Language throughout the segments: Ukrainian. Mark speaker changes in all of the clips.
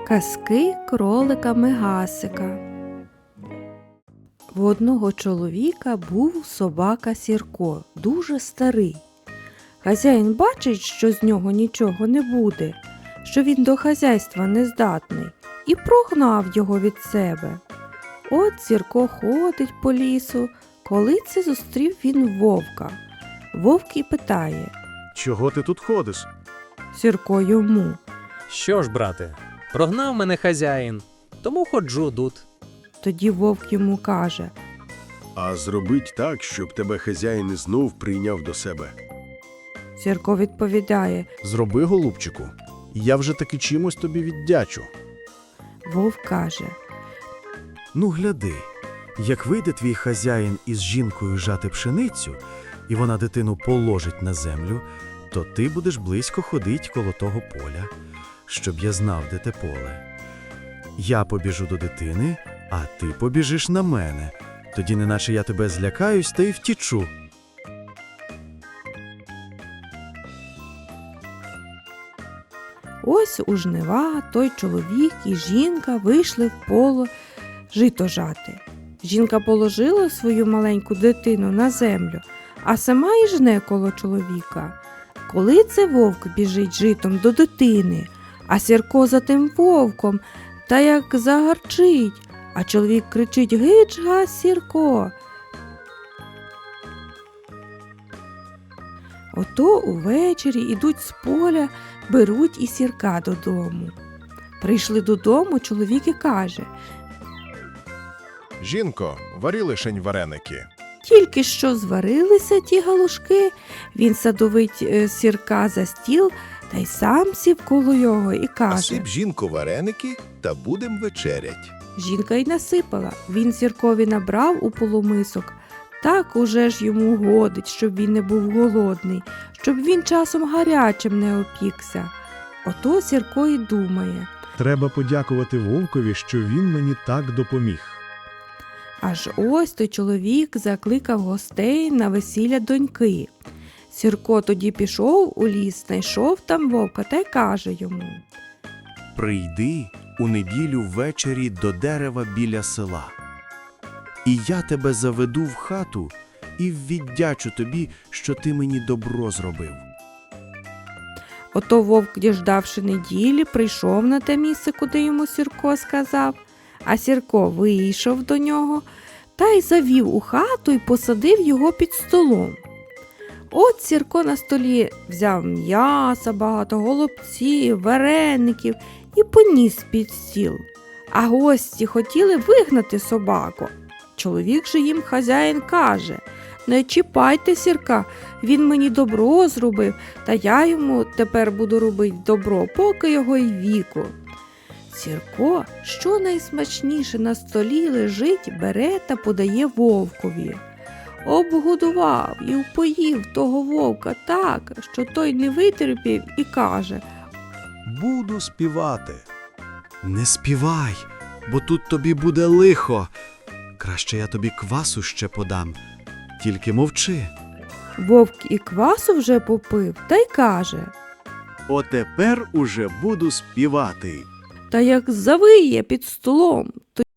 Speaker 1: Казки кролика Мегасика. В одного чоловіка був собака Сірко, дуже старий. Хазяїн бачить, що з нього нічого не буде, що він до хазяйства не здатний, і прогнав його від себе. От Сірко ходить по лісу, коли це зустрів він вовка. Вовк і питає:
Speaker 2: Чого ти тут ходиш?
Speaker 1: Сірко йому:
Speaker 3: Що ж, брате, прогнав мене хазяїн, тому ходжу тут.
Speaker 1: Тоді вовк йому каже:
Speaker 2: А зробить так, щоб тебе хазяїн знов прийняв до себе.
Speaker 1: Сірко відповідає:
Speaker 4: Зроби, голубчику, я вже таки чимось тобі віддячу.
Speaker 1: Вовк каже:
Speaker 4: Ну, гляди, як вийде твій хазяїн із жінкою жати пшеницю, і вона дитину положить на землю, то ти будеш близько ходить коло того поля, щоб я знав, де те поле. Я побіжу до дитини, а ти побіжиш на мене, тоді неначе я тебе злякаюсь та й втічу.
Speaker 1: Ось у жнива той чоловік і жінка вийшли в поле жито жати. Жінка положила свою маленьку дитину на землю, а сама і жне коло чоловіка. Коли це вовк біжить житом до дитини, а Сірко за тим вовком, та як загарчить, а чоловік кричить: «Гич, гась, Сірко!» Ото увечері ідуть з поля, беруть і Сірка додому. Прийшли додому, чоловік і каже:
Speaker 5: Жінко, варі лишень вареники.
Speaker 1: Тільки що зварилися ті галушки, він садовить Сірка за стіл та й сам сів коло його і каже:
Speaker 5: Насип, жінко, вареники та будем вечерять.
Speaker 1: Жінка й насипала, він Сіркові набрав у полумисок. Так уже ж йому годить, щоб він не був голодний, щоб він часом гарячим не опікся. Ото Сірко й думає:
Speaker 4: Треба подякувати вовкові, що він мені так допоміг.
Speaker 1: аж ось той чоловік закликав гостей на весілля доньки. Сірко тоді пішов у ліс, знайшов там вовка та й каже йому:
Speaker 4: Прийди у неділю ввечері до дерева біля села. І я тебе заведу в хату і віддячу тобі, що ти мені добро зробив.
Speaker 1: Ото вовк, діждавши неділі, прийшов на те місце, куди йому Сірко сказав, а Сірко вийшов до нього та й завів у хату і посадив його під столом. От Сірко на столі взяв м'яса багато, голубців, вареників і поніс під стіл. А гості хотіли вигнати собаку. Чоловік же їм хазяїн каже: не чіпайте Сірка, він мені добро зробив, та я йому тепер буду робити добро, поки його й віку. Сірко, що найсмачніше на столі лежить, бере та подає вовкові. Обгодував і впоїв того вовка так, що той не витерпів і каже:
Speaker 2: Буду співати.
Speaker 4: Не співай, бо тут тобі буде лихо. Краще я тобі квасу ще подам, тільки мовчи.
Speaker 1: Вовк і квасу вже попив та й каже:
Speaker 2: Отепер уже буду співати.
Speaker 1: та як завиє під столом,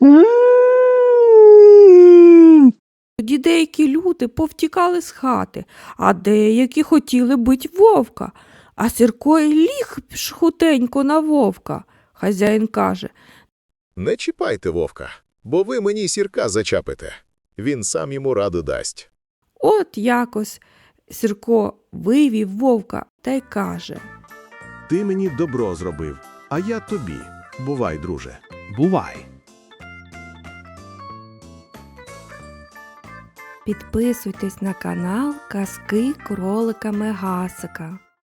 Speaker 1: тоді деякі люди повтікали з хати, а деякі хотіли бить вовка, а Сірко й ліг хутенько на вовка. Хазяїн каже:
Speaker 5: Не чіпайте вовка, бо ви мені Сірка зачапите. Він сам йому раду дасть.
Speaker 1: от якось Сірко вивів вовка та й каже:
Speaker 2: Ти мені добро зробив, а я тобі. Бувай, друже.
Speaker 4: Бувай.
Speaker 1: підписуйтесь на канал Казки кролика Мегасика.